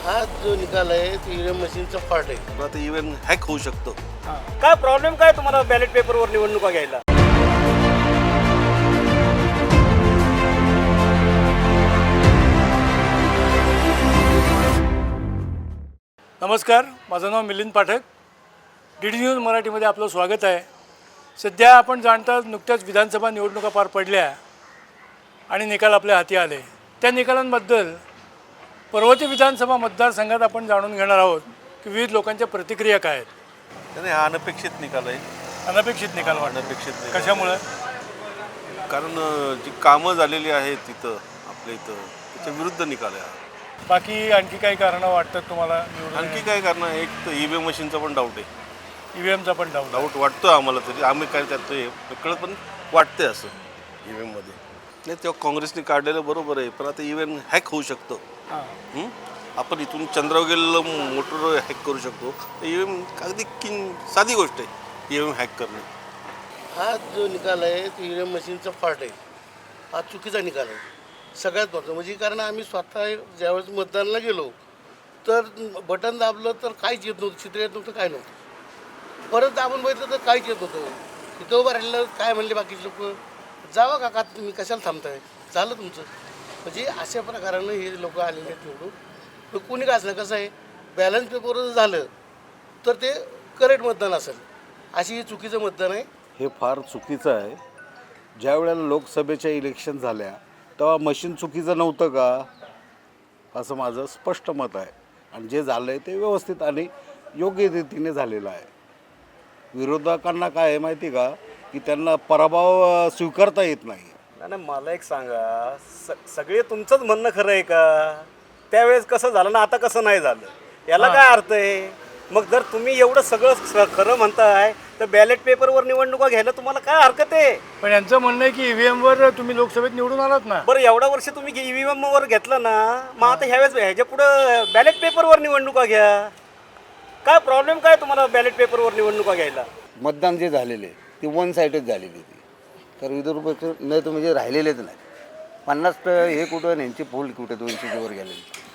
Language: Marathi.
हा जो निकाल आहे तो ईव्हीएम मशीनचा फॉल्ट आहे. पण आता इव्हेन हॅक होऊ शकतो. काय प्रॉब्लेम काय तुम्हाला बॅलेट पेपरवर निवडणुका घ्यायला? नमस्कार, माझं नाव मिलिंद पाठक. DD न्यूज मराठीमध्ये आपलं स्वागत आहे. सध्या आपण जाणता नुकत्याच विधानसभा निवडणुका पार पडल्या आणि निकाल आपल्या हाती आले. त्या निकालांबद्दल पर्वती विधानसभा मतदारसंघात आपण जाणून घेणार आहोत की विविध लोकांच्या प्रतिक्रिया काय आहेत. त्याने हा अनपेक्षित निकाल आहे. अनपेक्षित निकाल वाटत. अनपेक्षित निकाल. कशामुळे? कारण जी कामं झालेली आहेत तिथं आपल्या इथं त्याच्या विरुद्ध निकाल आहे. बाकी आणखी काही कारणं वाटतात तुम्हाला? आणखी काय कारण आहे, एक तर ईव्हीएम मशीनचा पण डाऊट आहे. ईव्हीएमचा पण डाऊट वाटतो आम्हाला, तरी आम्ही काय त्यात कळत पण वाटतंय असं ईव्हीएममध्ये. नाही तेव्हा काँग्रेसने काढलेलं बरोबर आहे, पण आता ईव्हीएम हॅक होऊ शकतो. आपण इथून चंद्रवगेला मोटर हॅक करू शकतो. ईव्हीएम अगदी साधी गोष्ट आहे ईव्हीएम हॅक करणे. हा जो निकाल आहे तो ईव्हीएम मशीनचा फॉल्ट आहे. हा चुकीचा निकाल आहे सगळ्यात महत्त्वाचं. म्हणजे कारण आम्ही स्वतः ज्यावेळेस मतदानाला गेलो तर बटन दाबलं तर काहीच येत नव्हतं, चित्र येत नव्हतं, काय नव्हतं. परत दाबून बघितलं तर काहीच येत नव्हतं. तिथं उभं राहिलं काय म्हणले बाकीचे लोक, जावा काका तुम्ही कशाला थांबताय, झालं तुमचं. म्हणजे अशा प्रकारानं हे लोक आलेले आहेत निवडून. तर कोणी का असलं कसं आहे, बॅलन्स पेपरवर झालं तर ते करेक्ट मतदान असेल, अशी हे चुकीचं मतदान आहे. हे फार चुकीचं आहे. ज्या वेळेला लोकसभेच्या इलेक्शन झाल्या तेव्हा मशीन चुकीचं नव्हतं का, असं माझं स्पष्ट मत आहे. आणि जे झालं आहे ते व्यवस्थित आणि योग्य रीतीने झालेलं आहे. विरोधकांना काय आहे माहिती का, की त्यांना पराभव स्वीकारता येत नाही. नाही, मला एक सांगा, सगळे तुमचंच म्हणणं खरं आहे का? त्यावेळेस कसं झालं ना, आता कसं नाही झालं, याला काय अर्थ आहे? मग जर तुम्ही एवढं सगळं खरं म्हणताय तर बॅलेट पेपरवर निवडणुका घ्यायला तुम्हाला काय हरकत आहे? पण यांचं म्हणणं आहे की ईव्हीएमवर तुम्ही लोकसभेत निवडून आलात ना. बरं, एवढ्या वर्ष तुम्ही EVM वर घेतलं ना, मग आता ह्यावेळेस ह्याच्या पुढं बॅलेट पेपरवर निवडणुका घ्या. काय प्रॉब्लेम काय तुम्हाला बॅलेट पेपरवर निवडणुका घ्यायला? मतदान जे झालेले ते वन साईडच झालेली ती. तर विदर्भ नाही तर म्हणजे राहिलेलेच नाही. 50 हे कुठं यांची पोल कुठं 200च्या वर गेलेली.